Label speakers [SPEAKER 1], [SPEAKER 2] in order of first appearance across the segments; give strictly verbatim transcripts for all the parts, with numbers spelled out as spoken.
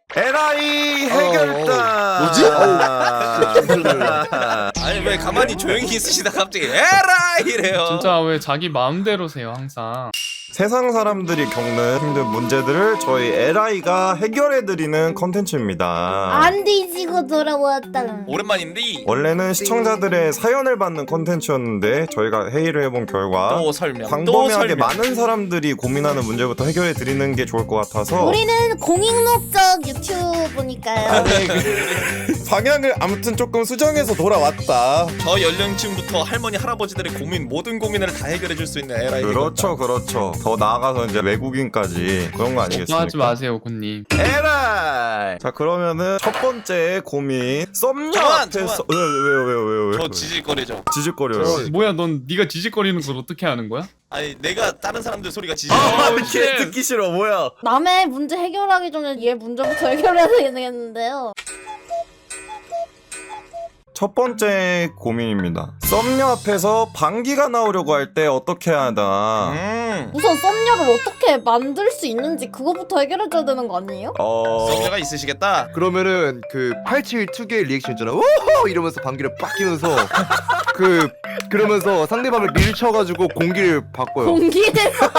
[SPEAKER 1] 에라이 해결단.
[SPEAKER 2] 뭐지?
[SPEAKER 3] 아니 왜 가만히 조용히 있으시다 갑자기 에라 이래요.
[SPEAKER 4] 진짜 왜 자기 마음대로세요 항상.
[SPEAKER 1] 세상 사람들이 겪는 힘든 문제들을 저희 에라이가 해결해드리는 컨텐츠입니다.
[SPEAKER 5] 안 뒤지고 돌아왔다.
[SPEAKER 3] 오랜만인데
[SPEAKER 1] 원래는 시청자들의 사연을 받는 컨텐츠였는데 저희가 회의를 해본 결과
[SPEAKER 3] 또 설명 또
[SPEAKER 1] 광범위하게
[SPEAKER 3] 설명.
[SPEAKER 1] 많은 사람들이 고민하는 문제부터 해결해드리는 게 좋을 것 같아서
[SPEAKER 5] 우리는 공익목적 유튜브니까요.
[SPEAKER 2] 아니 그 방향을 아무튼 조금 수정해서 돌아왔다.
[SPEAKER 3] 저 연령층부터 할머니 할아버지들의 고민 모든 고민을 다 해결해 줄 수 있는 에라이.
[SPEAKER 1] 그렇죠 그렇죠 더 나아가서 이제 외국인까지 그런 거 아니겠습니까?
[SPEAKER 4] 하지 마세요 고님.
[SPEAKER 1] 에라이! 자 그러면은 첫 번째 고민 썸녀
[SPEAKER 3] 잠깐만,
[SPEAKER 1] 앞에서 왜, 왜요 왜요 왜요 왜요
[SPEAKER 3] 저 지질거리죠.
[SPEAKER 1] 지직거려요.
[SPEAKER 4] 뭐야 넌 네가 지직거리는 걸 어떻게 하는 거야?
[SPEAKER 3] 아니 내가 다른 사람들 소리가 지질.
[SPEAKER 1] 아
[SPEAKER 4] 어우,
[SPEAKER 1] 이렇게
[SPEAKER 4] 쉣.
[SPEAKER 1] 듣기 싫어 뭐야.
[SPEAKER 5] 남의 문제 해결하기 전에 얘 문제부터 해결해야 되겠는데요.
[SPEAKER 1] 첫 번째 고민입니다. 썸녀 앞에서 방귀가 나오려고 할 때 어떻게 해야 하나.
[SPEAKER 3] 음.
[SPEAKER 5] 우선 썸녀를 어떻게 만들 수 있는지 그거부터 해결해줘야 되는 거 아니에요?
[SPEAKER 1] 어...
[SPEAKER 3] 썸녀가 있으시겠다.
[SPEAKER 2] 그러면은 그 팔칠이의 리액션 있잖아. 오호 이러면서 방귀를 빡 끼면서 그 그러면서 상대방을 밀쳐가지고 공기를 바꿔요.
[SPEAKER 5] 공기를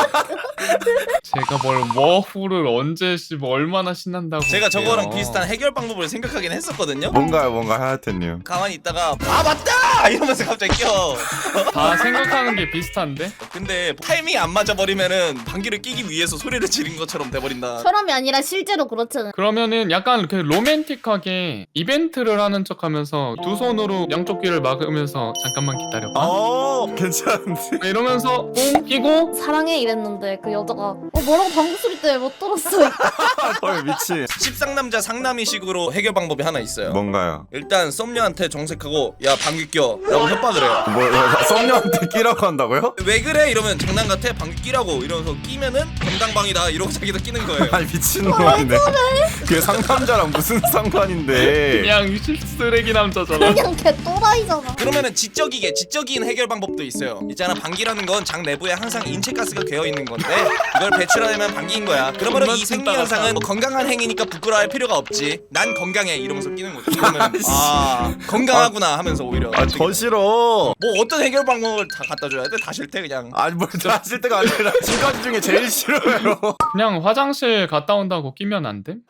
[SPEAKER 4] 제가 뭘 워후를 언제 씨 뭐 얼마나 신난다고.
[SPEAKER 3] 제가 저거랑
[SPEAKER 4] 그래요.
[SPEAKER 3] 비슷한 해결 방법을 생각하긴 했었거든요.
[SPEAKER 1] 뭔가요 뭔가 하야테님.
[SPEAKER 3] 가만히 있다가 아 맞다 이러면서 갑자기 껴.
[SPEAKER 4] 다 생각하는 게 비슷한데?
[SPEAKER 3] 근데 타이밍이 안 맞아 버리면은 방귀를 끼기 위해서 소리를 지른 것처럼 돼버린다.
[SPEAKER 5] 사람이 아니라 실제로 그렇잖아요.
[SPEAKER 4] 그러면은 약간 이렇게 로맨틱하게 이벤트를 하는 척하면서 두 손으로 양쪽 귀를 막으면서 잠깐만 기다려봐
[SPEAKER 1] 어 괜찮은데.
[SPEAKER 4] 이러면서 뽕 끼고
[SPEAKER 5] 사랑해 이랬는데 그 여자가 어 뭐라고 방구 소리 때문에 못 들었어.
[SPEAKER 1] 헐 미친.
[SPEAKER 3] 십상남자 상남이식으로 해결 방법이 하나 있어요.
[SPEAKER 1] 뭔가요?
[SPEAKER 3] 일단 썸녀한테 정색하고 야 방귀 껴 라고 협박을 해요.
[SPEAKER 1] 뭐 썸녀한테 끼라고 한다고요?
[SPEAKER 3] 왜 그래? 이러면 장난 같아 방귀 끼라고 이러면서 끼면은 건당방이다 이러고 자기도 끼는 거예요.
[SPEAKER 1] 아니 미친놈이네. 그게 상남자랑 무슨 상관인데.
[SPEAKER 4] 그냥 쓰레기 남자잖아.
[SPEAKER 5] 그냥 개 또라이잖아.
[SPEAKER 3] 그러면은 지적이게 지적인 해결 방법도 있어요. 있잖아 방귀라는 건 장 내부에 항상 인체가스가 괴어 있는 건데 이걸 배출하려면 방귀인 거야. 그러면 이 생리 현상은 뭐 건강한 행위니까 부끄러워할 필요가 없지. 난 건강해 이러면서 끼는 거죠. 그러면 아 건강하구나 하면서 오히려
[SPEAKER 1] 아 저 싫어.
[SPEAKER 3] 뭐 어떤 해결 방법을 다 갖다 줘야 돼? 다 싫대 그냥.
[SPEAKER 1] 아니 뭘 하실 때가 아니라 지금까지 중에 제일 싫어요.
[SPEAKER 4] 그냥 화장실 갔다 온다고 끼면 안 돼?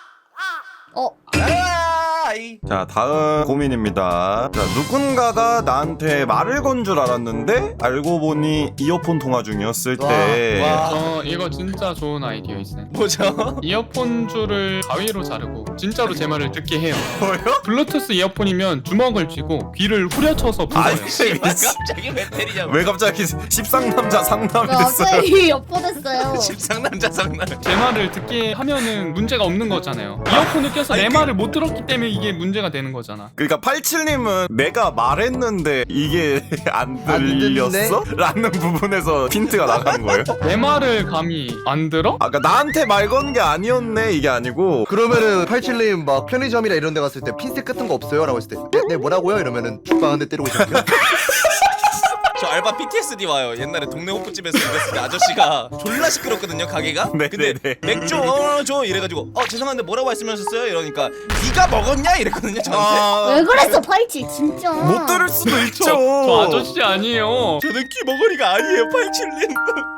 [SPEAKER 5] 어
[SPEAKER 3] 아이.
[SPEAKER 1] 자 다음 고민입니다. 자 누군가가 나한테 말을 건 줄 알았는데 알고 보니 이어폰 통화 중이었을 때
[SPEAKER 3] 와.
[SPEAKER 4] 어 이거 진짜 좋은 아이디어 있어요.
[SPEAKER 3] 뭐죠?
[SPEAKER 4] 이어폰 줄을 가위로 자르고 진짜로 제 말을 듣게 해요.
[SPEAKER 1] 뭐요?
[SPEAKER 4] 블루투스 이어폰이면 주먹을 쥐고 귀를 후려쳐서 불어요.
[SPEAKER 1] 아니
[SPEAKER 3] 씨발, 갑자기 왜 때리냐고.
[SPEAKER 1] 왜 갑자기 십상남자 상남이
[SPEAKER 5] 왜
[SPEAKER 1] 됐어요?
[SPEAKER 5] 갑자기 엿보냈어요.
[SPEAKER 3] 십상남자 상남.
[SPEAKER 4] 제 말을 듣게 하면은 문제가 없는 거잖아요. 이어폰을 껴서 내
[SPEAKER 3] 아니, 그-
[SPEAKER 4] 말을 못 들었기 때문에 이게 문제가 되는 거잖아.
[SPEAKER 1] 그러니까 팔칠님은 내가 말했는데 이게 안
[SPEAKER 2] 안
[SPEAKER 1] 들렸어?
[SPEAKER 2] 듣네?
[SPEAKER 1] 라는 부분에서 핀트가 나간 거예요?
[SPEAKER 4] 내 말을 감히 안 들어?
[SPEAKER 1] 아까 그러니까 나한테 말 건 게 아니었네 이게 아니고
[SPEAKER 2] 그러면은 팔칠님 막 편의점이나 이런 데 갔을 때 핀셋 같은 거 없어요? 라고 했을 때 네, 네 뭐라고요? 이러면은 죽방 한 대 때리고 있을게요.
[SPEAKER 3] 저 알바 피티에스디 와요. 옛날에 동네 호프집에서 일했을 때 아저씨가 졸라 시끄럽거든요 가게가.
[SPEAKER 1] 네,
[SPEAKER 3] 근데
[SPEAKER 1] 네, 네.
[SPEAKER 3] 맥주 어, 줘 이래가지고 어 죄송한데 뭐라고 말씀하셨어요? 이러니까 네가 먹었냐 이랬거든요 저한테.
[SPEAKER 5] 왜 그랬어 팔칠 진짜.
[SPEAKER 1] 못 들을 수도 있죠.
[SPEAKER 4] 저, 저 아저씨 아니에요.
[SPEAKER 3] 저는 귀머거리가 아니에요 팔칠님.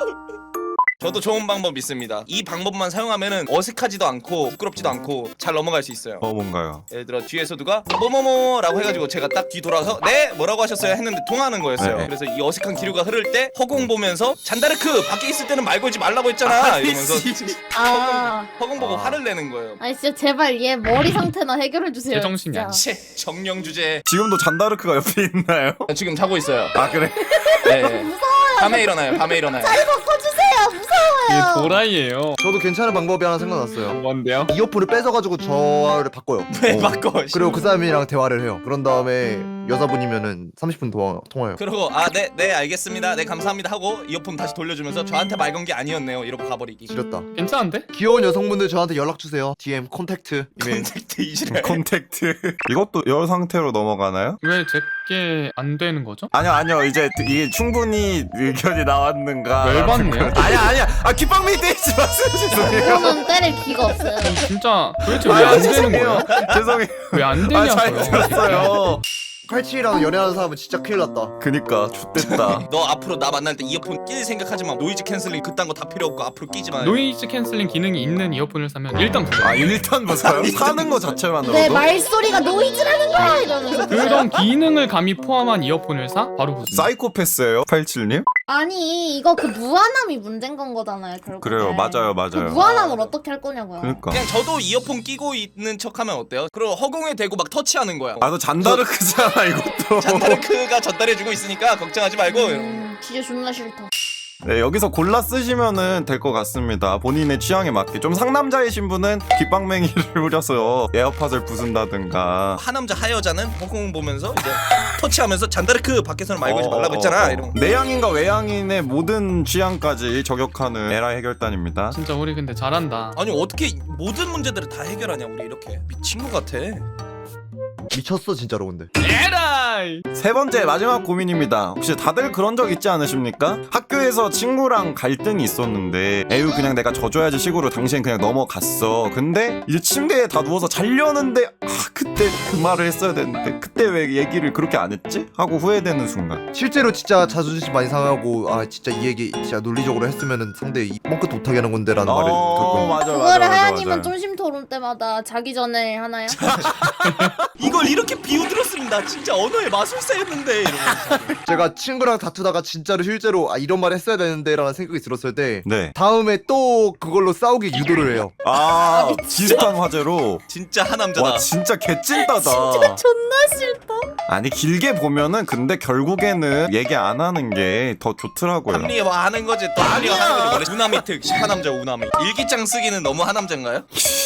[SPEAKER 3] 저도 좋은 방법 있습니다. 이 방법만 사용하면은 어색하지도 않고 부끄럽지도 않고 잘 넘어갈 수 있어요.
[SPEAKER 1] 어 뭔가요?
[SPEAKER 3] 예를 들어 뒤에서 누가 뭐뭐뭐라고 해가지고 제가 딱 뒤 돌아서 네 뭐라고 하셨어요 했는데 통하는 거였어요.
[SPEAKER 1] 네.
[SPEAKER 3] 그래서 이 어색한 기류가 흐를 때 허공 보면서 잔다르크 밖에 있을 때는 말 걸지 말라고 했잖아 이러면서
[SPEAKER 5] 아.
[SPEAKER 3] 허공 보고
[SPEAKER 1] 아.
[SPEAKER 3] 화를 내는 거예요.
[SPEAKER 5] 아니 진짜 제발 얘 머리 상태나 해결해 주세요.
[SPEAKER 4] 제정신이
[SPEAKER 5] 진짜.
[SPEAKER 4] 아니야.
[SPEAKER 3] 채 정령 주제.
[SPEAKER 1] 지금도 잔다르크가 옆에 있나요?
[SPEAKER 3] 지금 자고 있어요.
[SPEAKER 1] 아 그래?
[SPEAKER 3] 네. 밤에 일어나요. 밤에 일어나요.
[SPEAKER 5] 잘 바꿔주세요.
[SPEAKER 4] 이게
[SPEAKER 5] 무서워요.
[SPEAKER 4] 도라이예요.
[SPEAKER 2] 저도 괜찮은 방법이 하나 생각났어요.
[SPEAKER 4] 뭔데요?
[SPEAKER 2] 이어폰을 뺏어가지고 저를 바꿔요.
[SPEAKER 3] 왜
[SPEAKER 1] 어.
[SPEAKER 3] 바꿔?
[SPEAKER 2] 그리고 그 사람이랑 대화를 해요. 그런 다음에 여자분이면은 삼십 분 더 통화요.
[SPEAKER 3] 그러고 아 네 네 알겠습니다 네 감사합니다 하고 이어폰 다시 돌려주면서 저한테 말 건 게 아니었네요 이러고 가버리기.
[SPEAKER 2] 지렸다.
[SPEAKER 4] 괜찮은데?
[SPEAKER 2] 귀여운 여성분들 저한테 연락 주세요. 디엠 콘택트 이메일.
[SPEAKER 3] 콘택트 이지랄.
[SPEAKER 1] 콘택트. 이것도 여 상태로 넘어가나요?
[SPEAKER 4] 왜 제게 안 되는 거죠?
[SPEAKER 1] 아니요 아니요 이제 이게 충분히 의견이 나왔는가
[SPEAKER 4] 열받네요.
[SPEAKER 1] 아니야 아니야 아 깃방맹이 때리지 마세요 죄송해요
[SPEAKER 5] 저는 때릴 기가 없어요.
[SPEAKER 4] 진짜 도대체 왜 안 되는 거야?
[SPEAKER 1] 죄송해요
[SPEAKER 4] 왜 안
[SPEAKER 1] 아잘
[SPEAKER 4] 되냐고요?
[SPEAKER 1] 들었어요
[SPEAKER 2] 팔십칠이랑 연애하는 사람은 진짜 큰일 났다.
[SPEAKER 1] 그니까 X됐다
[SPEAKER 3] 너 앞으로 나 만날 때 이어폰 낄 생각하지 마. 노이즈 캔슬링 그딴 거 다 필요 없고 앞으로 끼지 마.
[SPEAKER 4] 노이즈 캔슬링 기능이 있는 이어폰을 사면 일단 부자.
[SPEAKER 1] 아 일단 무서요? 사는 거 자체만으로도?
[SPEAKER 5] 내 말소리가 노이즈라는 거야 이러면서.
[SPEAKER 4] 그런 기능을 감히 포함한 이어폰을 사? 바로 부자.
[SPEAKER 1] 사이코패스예요 팔십칠님?
[SPEAKER 5] 아니 이거 그 무한함이 문제인 건 거잖아요 결국.
[SPEAKER 1] 그래요 맞아요
[SPEAKER 5] 그
[SPEAKER 1] 맞아요
[SPEAKER 5] 무한함을 어떻게 할 거냐고요.
[SPEAKER 1] 그러니까
[SPEAKER 3] 그냥 저도 이어폰 끼고 있는 척하면 어때요? 그리고 허공에 대고 막 터치하는 거야.
[SPEAKER 1] 아너 잔다르크잖아 이것도
[SPEAKER 3] 잔다르크가 전달해주고 있으니까 걱정하지 말고.
[SPEAKER 5] 음, 진짜 존나 싫다.
[SPEAKER 1] 네 여기서 골라 쓰시면은 될 것 같습니다 본인의 취향에 맞게 좀 상남자이신 분은 깃방맹이를 후려서 에어팟을 부순다든가
[SPEAKER 3] 하남자 하여자는 허공 보면서 이제 터치하면서 잔다르크 밖에서는 말 걸지 말라고 했잖아.
[SPEAKER 1] 어, 어, 어.
[SPEAKER 3] 이러면.
[SPEAKER 1] 내향인과 외향인의 모든 취향까지 저격하는 에라 해결단입니다
[SPEAKER 4] 진짜 우리 근데 잘한다.
[SPEAKER 3] 아니 어떻게 모든 문제들을 다 해결하냐 우리 이렇게 미친 것 같아.
[SPEAKER 2] 미쳤어 진짜로 근데.
[SPEAKER 4] 에라이!
[SPEAKER 1] 세 번째 마지막 고민입니다. 혹시 다들 그런 적 있지 않으십니까? 학교에서 친구랑 갈등이 있었는데 에휴 그냥 내가 져줘야지 식으로 당신 그냥 넘어갔어. 근데 이제 침대에 다 누워서 자려는데 아 그때 그 말을 했어야 되는데 그때 왜 얘기를 그렇게 안 했지? 하고 후회되는 순간.
[SPEAKER 2] 실제로 진짜 자존심 많이 상하고 아 진짜 이 얘기 진짜 논리적으로 했으면은 상대 이 뻥끗 못하게 하는 건데라는 말을
[SPEAKER 1] 어
[SPEAKER 2] 듣고.
[SPEAKER 1] 맞아 맞아
[SPEAKER 5] 그거를
[SPEAKER 1] 맞아
[SPEAKER 5] 하연님은
[SPEAKER 1] 맞아.
[SPEAKER 5] 쫀심 토론 때마다 자기 전에 하나요?
[SPEAKER 3] 이걸 이렇게 비우들었으면 나 진짜 언어의 마술사였는데 이러면서.
[SPEAKER 2] 제가 친구랑 다투다가 진짜로 실제로 아 이런 말 했어야 되는데라는 생각이 들었을 때
[SPEAKER 1] 네.
[SPEAKER 2] 다음에 또 그걸로 싸우기 유도를 해요.
[SPEAKER 1] 아 비슷한 화제로.
[SPEAKER 3] 진짜 하남자다.
[SPEAKER 1] 와 진짜 개찐따다.
[SPEAKER 5] 진짜 존나 싫다.
[SPEAKER 1] 아니 길게 보면은 근데 결국에는 얘기 안 하는 게 더 좋더라고요.
[SPEAKER 3] 합리화하는 거지 또 합리화하는 거지. 우나미 특 시파남자 우나미. 일기장 쓰기는 너무 하남자인가요?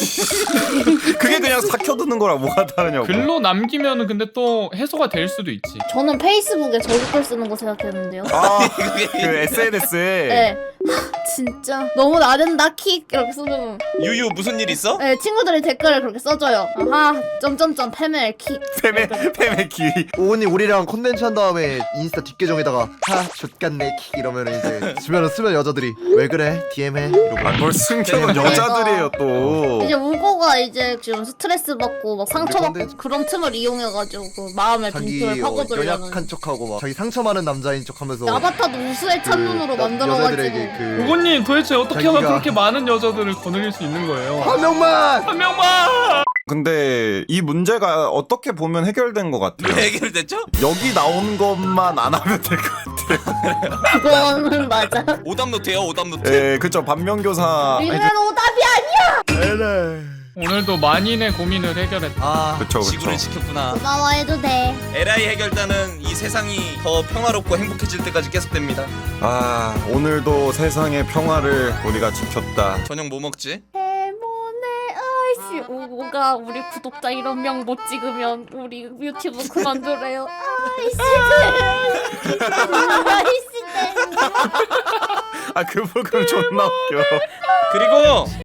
[SPEAKER 1] 그게 그냥 삭혀두는 거랑 뭐가 다르냐고.
[SPEAKER 4] 글로 남기면은 근데 또 해소가 될 수도 있지.
[SPEAKER 5] 저는 페이스북에 저격글 쓰는 거 생각했는데요.
[SPEAKER 1] 아, 그 에스엔에스에
[SPEAKER 5] 네. 진짜 너무 나댄다 킥 이렇게 쓰면
[SPEAKER 3] 유유 무슨 일 있어?
[SPEAKER 5] 네, 친구들이 댓글을 그렇게 써줘요. 아하 점점점 패멜 킥.
[SPEAKER 1] 페메 페메 기.
[SPEAKER 2] 오은이 우리랑 컨텐츠 한 다음에 인스타 뒷계정에다가 하 좆같네 킥 이러면은 이제 주변에 쓰면 여자들이 왜 그래 디엠해 이러고.
[SPEAKER 1] 아뭘 숨겨놓은 여자들이에요 또.
[SPEAKER 5] 이제 우고가 이제 지금 스트레스 받고 막 상처 받고
[SPEAKER 2] 근데-
[SPEAKER 5] 그런 틈을 이용해가지고 그 마음의
[SPEAKER 2] 자기
[SPEAKER 5] 빈틈을
[SPEAKER 2] 어,
[SPEAKER 5] 파고들려는
[SPEAKER 2] 연약한 척하고 막 자기 상처 많은 남자인 척하면서
[SPEAKER 5] 아바타도 우수의 찬눈으로
[SPEAKER 2] 그 여-
[SPEAKER 5] 만들어가지고
[SPEAKER 2] 여자들에게 그
[SPEAKER 4] 우고님 도대체 어떻게
[SPEAKER 2] 자기가-
[SPEAKER 4] 하면 그렇게 많은 여자들을 거느릴 수 있는 거예요?
[SPEAKER 2] 한 명만.
[SPEAKER 4] 한 명만!
[SPEAKER 1] 근데 이 문제가 어떻게 보면 해결된 것 같아요.
[SPEAKER 3] 왜 해결됐죠?
[SPEAKER 1] 여기 나온 것만 안 하면 될 것 같아요.
[SPEAKER 5] 그거는 맞아.
[SPEAKER 3] 오답노트예요 오답노트.
[SPEAKER 1] 예, 그쵸. 반면교사.
[SPEAKER 5] 우리는 오답이 아니야.
[SPEAKER 4] 오늘도 만인의 고민을 해결했다.
[SPEAKER 3] 아
[SPEAKER 1] 그쵸, 그쵸.
[SPEAKER 3] 지구를 지켰구나.
[SPEAKER 5] 고마워해도 돼.
[SPEAKER 3] 에라이 해결단은 이 세상이 더 평화롭고 행복해질 때까지 계속됩니다.
[SPEAKER 1] 아, 오늘도 세상의 평화를 우리가 지켰다.
[SPEAKER 3] 저녁 뭐 먹지?
[SPEAKER 5] 해모네 아이씨 우고가 우리 구독자 일억 명 못 찍으면 우리 유튜브 그만두래요. 아이씨. 아이씨.
[SPEAKER 1] 아, 그 부분 존나 웃겨.
[SPEAKER 3] 그리고